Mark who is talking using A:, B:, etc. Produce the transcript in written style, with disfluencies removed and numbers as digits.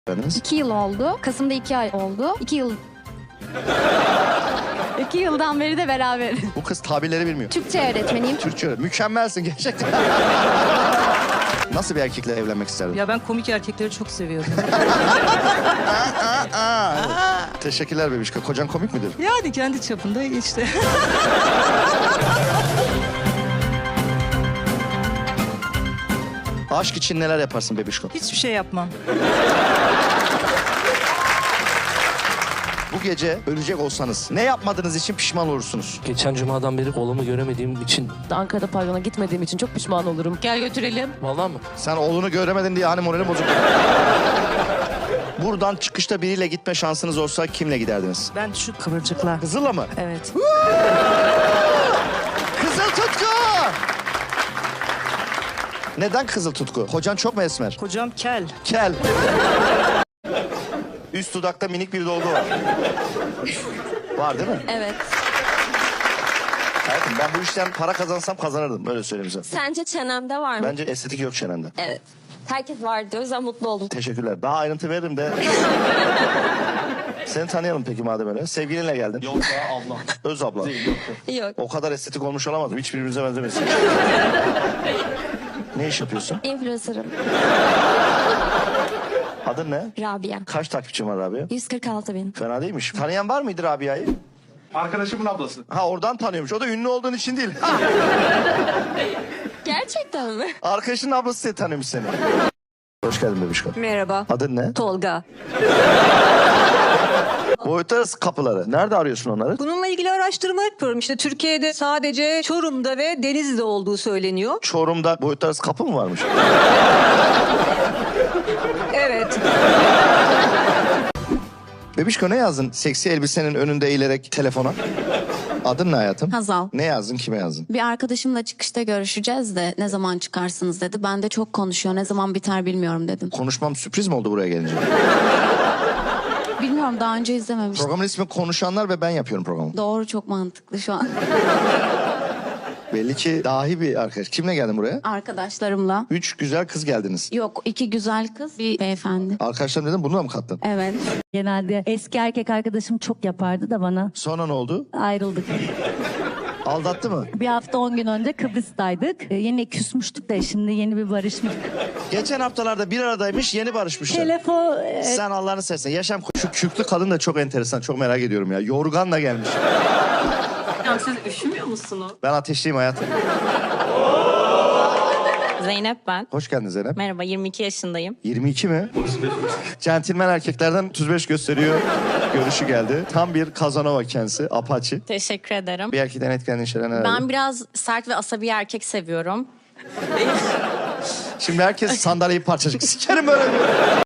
A: 2 yıl oldu. Kasım'da 2 ay oldu. 2 yıl... 2 yıldan beri de beraberiz.
B: Bu kız tabirleri bilmiyor.
A: Türkçe öğretmeniyim.
B: Türkçe öğretmen. Mükemmelsin gerçekten. Nasıl bir erkekle evlenmek isterdin?
C: Ya ben komik erkekleri çok seviyorum.
B: Teşekkürler bebişka. Kocan komik midir?
C: Yani kendi çapında işte.
B: Aşk için neler yaparsın bebişko?
C: Hiçbir şey yapmam.
B: Bu gece ölecek olsanız ne yapmadığınız için pişman olursunuz?
D: Geçen cumadan beri oğlumu göremediğim için.
E: Ankara'da pavyona gitmediğim için çok pişman olurum.
C: Gel götürelim.
D: Vallahi mı?
B: Sen oğlunu göremedin diye hani morali bozuk. Buradan çıkışta biriyle gitme şansınız olsa kimle giderdiniz?
C: Ben şu kıvırcıkla.
B: Kızıl'la mı?
C: Evet.
B: Kızıl Tutku! Neden Kızıl Tutku? Kocan çok mu esmer?
C: Kocam kel.
B: Kel. Üst dudakta minik bir dolgu var. Var değil mi?
F: Evet.
B: Hayatım ben bu işten para kazansam kazanırdım. Böyle söyleyeyim size.
F: Sence çenemde var mı?
B: Bence estetik yok çenende.
F: Evet. Herkes var diyor. O yüzden mutlu oldum.
B: Teşekkürler. Daha ayrıntı veririm de. Seni tanıyalım peki madem öyle. Sevgilinle geldin.
D: Yok ya abla.
B: Öz abla.
F: Yok.
B: O kadar estetik olmuş olamadım. Hiçbirbirimize benzemesin. Ne iş yapıyorsun?
F: Influencer'ım.
B: Adın ne?
F: Rabia.
B: Kaç takipçin var Rabia?
F: 146 bin.
B: Fena değilmiş. Tanıyan var mıydı Rabia'yı?
G: Arkadaşımın ablası.
B: Ha oradan tanıyormuş. O da ünlü olduğun için değil.
F: Gerçekten mi?
B: Arkadaşının ablası seni tanıyormuş seni. Hoş geldin bebişko.
F: Merhaba.
B: Adın ne?
F: Tolga.
B: Boyut arası kapıları. Nerede arıyorsun onları?
H: Bununla ilgili araştırma yapıyorum. İşte Türkiye'de sadece Çorum'da ve Denizli'de olduğu söyleniyor.
B: Çorum'da boyut arası kapı mı varmış?
H: Evet.
B: Bebişko ne yazdın? Seksi elbisenin önünde eğilerek telefona. Adın ne hayatım?
A: Hazal.
B: Ne yazdın? Kime yazdın?
A: Bir arkadaşımla çıkışta görüşeceğiz de ne zaman çıkarsınız dedi. Ben de çok konuşuyor. Ne zaman biter bilmiyorum dedim.
B: Konuşmam sürpriz mi oldu buraya gelince?
A: Bilmiyorum, daha önce izlememiştim.
B: Programın ismi Konuşanlar ve ben yapıyorum programı.
A: Doğru, çok mantıklı şu an.
B: Belli ki dahi bir arkadaş. Kimle geldin buraya?
A: Arkadaşlarımla.
B: 3 güzel kız geldiniz.
A: Yok, 2 güzel kız, bir beyefendi.
B: Arkadaşlarım dedim bunu da mı kattın?
A: Evet.
I: Genelde eski erkek arkadaşım çok yapardı da bana
B: Sonra ne oldu?
I: ayrıldık.
B: Aldattı mı?
I: Bir hafta 10 gün önce Kıbrıs'taydık. Yine küsmüştük de şimdi yeni bir barışmış.
B: Geçen haftalarda bir aradaymış yeni barışmışlar.
I: Telefon...
B: Sen Allah'ını seversen yaşam... Şu küklü kadın da çok enteresan. Çok merak ediyorum ya. Yorganla gelmiş.
J: Ya siz üşümüyor musunuz?
B: Ben ateşliyim hayatım.
J: Zeynep ben.
B: Hoş geldin Zeynep.
J: Merhaba, 22 yaşındayım.
B: 22 mi? Centilmen erkeklerden 35 gösteriyor. Görüşü geldi. Tam bir Kazanova kendisi. Apache.
J: Teşekkür ederim.
B: Bir erkekten etkilendiğin şeyler neler?
J: Ben biraz sert ve asabi erkek seviyorum.
B: Şimdi herkes sandalyeyi parçacık. Sikerim böyle.